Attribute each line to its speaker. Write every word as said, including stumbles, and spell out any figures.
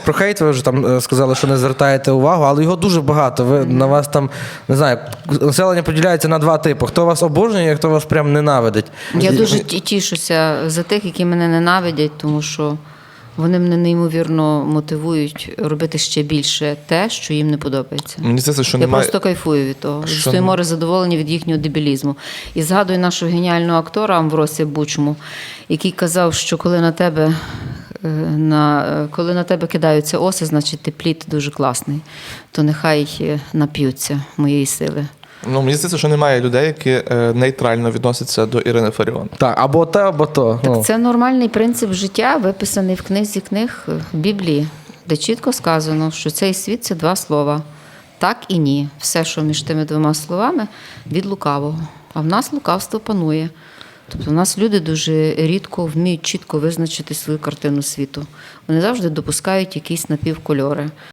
Speaker 1: Про хейт ви вже там е, сказали, що не звертаєте увагу, але його дуже багато. Ви, на вас там, не знаю, населення поділяється на два типи. Хто вас обожнює, а хто вас прям ненавидить.
Speaker 2: Я
Speaker 1: І-
Speaker 2: дуже ті- тішуся за тих, які мене ненавидять, тому що вони мене неймовірно мотивують робити ще більше те, що їм не подобається.
Speaker 3: Мені здається, що
Speaker 2: Я
Speaker 3: немає...
Speaker 2: просто кайфую від того.
Speaker 3: Що
Speaker 2: Стоїмо море задоволення від їхнього дебілізму. І згадую нашого геніального актора Амвросія Бучму, який казав, що коли на тебе е, на, е, коли на тебе кидаються оси, значить ти плід дуже класний. То нехай е, нап'ються моєї сили.
Speaker 3: Ну, мені здається, що немає людей, які е, нейтрально відносяться до Ірини Фаріон.
Speaker 1: Так, або те, або то. Ну.
Speaker 2: Так це нормальний принцип життя, виписаний в книзі книг в Біблії, де чітко сказано, що цей світ – це два слова. Так і ні. Все, що між тими двома словами, від лукавого. А в нас лукавство панує. Тобто в нас люди дуже рідко вміють чітко визначити свою картину світу. Вони завжди допускають якісь напівкольори.